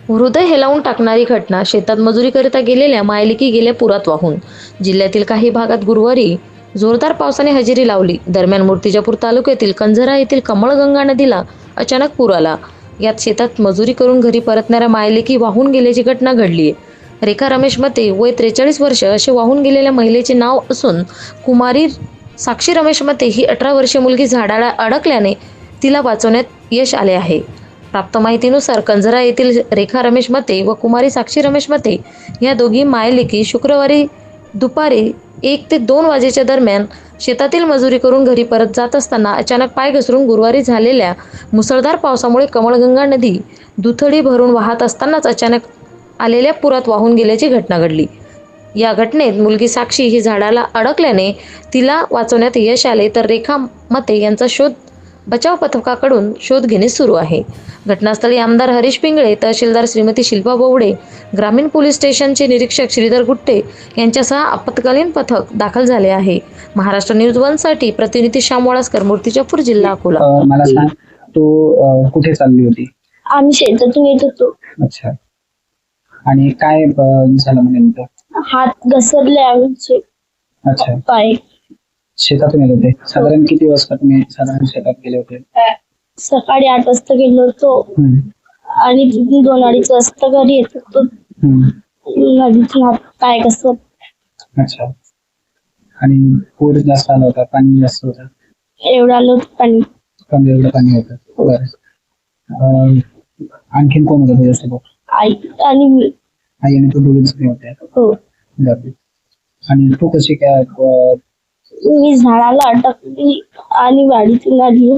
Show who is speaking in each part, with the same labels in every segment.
Speaker 1: हृदय हेलावून टाकणारी घटना. शेतात मजुरीकरिता गेलेल्या मायलेकी गेल्या पुरात वाहून. जिल्ह्यातील काही भागात गुरुवारी जोरदार पावसाने हजेरी लावली. दरम्यान मूर्तिजापूर तालुक्यातील कंझरा येथील कमळगंगा नदीला अचानक पूर आला. यात शेतात मजुरी करून घरी परतणाऱ्या मायलेकी वाहून गेल्याची घटना घडली आहे. रेखा रमेश मते वय 43 वर्ष असे वाहून गेलेल्या महिलेचे नाव असून कुमारी साक्षी रमेश मते ही 18 वर्षीय मुलगी झाडाला अडकल्याने तिला वाचवण्यात यश आले आहे. प्राप्त माहितीनुसार कंझरा येथील रेखा रमेश मते व कुमारी साक्षी रमेश मते या दोघी मायलेकी शुक्रवारी दुपारी 1 ते 2 वाजेच्या दरम्यान शेतातील मजुरी करून घरी परत जात असताना अचानक पाय घसरून गुरुवारी झालेल्या मुसळधार पावसामुळे कमळगंगा नदी दुथडी भरून वाहत असतानाच अचानक आलेल्या पुरात वाहून गेल्याची घटना घडली. या घटनेत मुलगी साक्षी ही झाडाला अडकल्याने तिला वाचवण्यात यश आले, तर रेखा मते यांचा शोध बचाव पथकाकडून शोध घेणे सुरू आहे. घटनास्थळी आमदार हरीश पिंगळे, तहसीलदार श्रीमती शिल्पा बोवडे, ग्रामीण पोलीस स्टेशनचे निरीक्षक श्रीधर गुट्टे यांच्यासह आपत्कालीन पथक दाखल झाले आहे. महाराष्ट्र न्यूज 1 साठी प्रतिनिधी श्याम वाळस्कर, मूर्तिजापूर, जिल्हा अकोला.
Speaker 2: मला सांग, तू कुठे चालली होती?
Speaker 3: आम्ही शेतातून येत होतो.
Speaker 2: अच्छा. आणि काय झालं म्हणजे नेमकं?
Speaker 3: हात घसरले आमचे.
Speaker 2: अच्छा.
Speaker 3: पाय.
Speaker 2: शेतातून येत होते. साधारण किती वाजता तुम्ही साधारण शेतात गेले होते?
Speaker 3: सकाळी 8 वाजता गेलो होतो आणि 2-2:30 वाजता घरी येत होतो. नदीतून हात पाय घसरले.
Speaker 2: अच्छा. आणि पूर जास्त आला होता? पाणी जास्त होतं?
Speaker 3: एवढं आलं होतं पाणी.
Speaker 2: कमी एवढं पाणी होतं? बरं. आणखीन कोण होतं तुझ्यासोबत?
Speaker 3: आई आणि मी.
Speaker 2: आई आणि तू दोघीच होते?
Speaker 3: हो.
Speaker 2: बरं. आणि तू कशी काय?
Speaker 3: मी झाडाला अटकली आणि वाडीतून आली.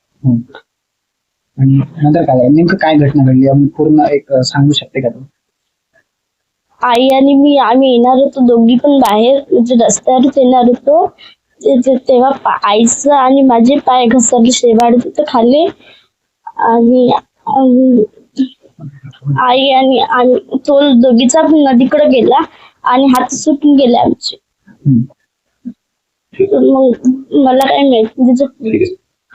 Speaker 2: आणि नंतर काय नेमकं काय घटना घडली आपण पूर्ण एक सांगू शकते का तू?
Speaker 3: आई आणि मी आम्ही येणार होतो, दोघी पण बाहेर म्हणजे रस्त्यावरच येणार होतो. तेव्हा आईचं आणि माझे पाय घसरले शेवाळ तिथं खाली. आणि आई आणि तो दोघीचा नदीकडे गेला आणि हात सुटून गेले आमचे. मग मला काय माहिती.